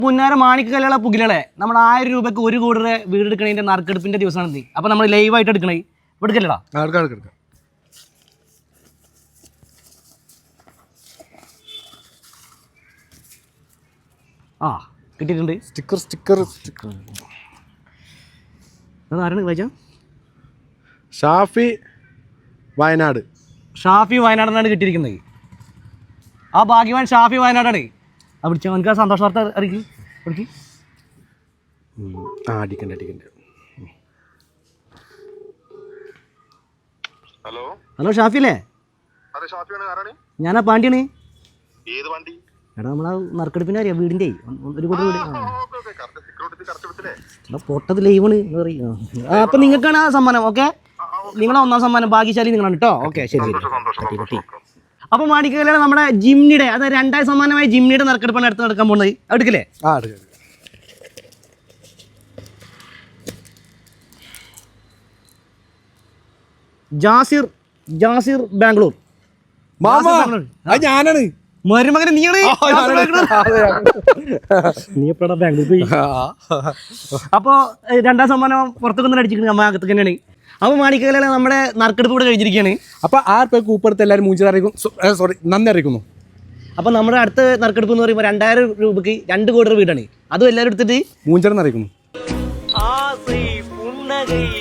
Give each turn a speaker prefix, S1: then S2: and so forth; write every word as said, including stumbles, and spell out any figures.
S1: മുന്നാര മാണിക്കല്ലുള്ള പുകിലളെ നമ്മൾ ആയിരം രൂപയ്ക്ക് ഒരു കോടി രൂപ വീട് എടുക്കണതിന്റെ നറുക്കെടുപ്പിന്റെ ദിവസമാണ് നീ. അപ്പൊ നമ്മൾ ലൈവായിട്ട് എടുക്കണേ എടുക്കല്ലടാ. ആ കിട്ടിയിട്ടുണ്ട്.
S2: സ്റ്റിക്കർ സ്റ്റിക്കർ സ്റ്റിക്കർ
S1: ആരാണ് വായിച്ച?
S2: ഷാഫി വയനാട്.
S1: ഷാഫി വയനാടാണ് കിട്ടിയിരിക്കുന്നത്. ആ ഭാഗ്യവാൻ ഷാഫി വയനാടാണ്. ആ വിളിച്ചാൽ നമുക്ക് ആ സന്തോഷ വാർത്ത അറിയിക്കും. വിളിക്ക്.
S2: ആ അടിക്കണ്ട അടിക്കണ്ട.
S3: ഹലോ
S1: ഹലോ ഷാഫി അല്ലേ?
S3: അതെ ഷാഫിയാണ്. ആരാണ്?
S1: ഞാനാ പാണ്ടിയാണ്.
S3: ഏത് വണ്ടി?
S1: എടാ നമ്മളാ നറുക്കെടുപ്പിനെ അറിയാം വീടിൻ്റെ ഒരു കോടി വീട്. എടാ പൊട്ടത് ലൈവാണ് പറയും. അപ്പം നിങ്ങൾക്കാണ് ആ സമ്മാനം. ഓക്കെ, നിങ്ങളെ ഒന്നാം സമ്മാനം ഭാഗ്യശാലി നിങ്ങളാണ് കേട്ടോ. ഓക്കെ ശരി ശരി. അപ്പോൾ മാണിക്കല്ലാണ് നമ്മുടെ ജിംനിയുടെ, അതായത് രണ്ടാം സമ്മാനമായ ജിംനിയുടെ നറുക്കെടുപ്പാണ് അടുത്ത് നടക്കാൻ പോകുന്നത്. എടുക്കില്ലേ?
S2: ആ എടുക്കാം.
S1: ജാസിർ ജാസിർ ബാംഗ്ലൂർ.
S2: ഞാനാണ്
S1: മരുമകന്. നീയാണ് നീ എപ്പോഴാ ബാംഗ്ലൂർ പോയി? അപ്പോൾ രണ്ടാം സമ്മാനം പുറത്തൊക്കെ അടിച്ചിരിക്കുന്നത് അമ്മ അകത്ത് തന്നെയാണ്. അപ്പോൾ മാണിക്കല്ലാണ് നമ്മുടെ നറുക്കെടുപ്പ് കൂടെ കഴിഞ്ഞിരിക്കുകയാണ്.
S2: അപ്പോൾ ആറ് പേർക്ക് കൂപ്പെടുത്ത് എല്ലാവരും മൂഞ്ചി അറിയിക്കും. സോറി നന്ദി അറിയിക്കുന്നു.
S1: അപ്പോൾ നമ്മുടെ അടുത്ത നറുക്കെടുപ്പ് എന്ന് പറയുമ്പോൾ രണ്ടായിരം രൂപയ്ക്ക് രണ്ട് കോടി രൂപ വീടാണ്. അതും എല്ലാവരും എടുത്തിട്ട്
S2: മൂഞ്ചറന്ന് അറിയിക്കുന്നു.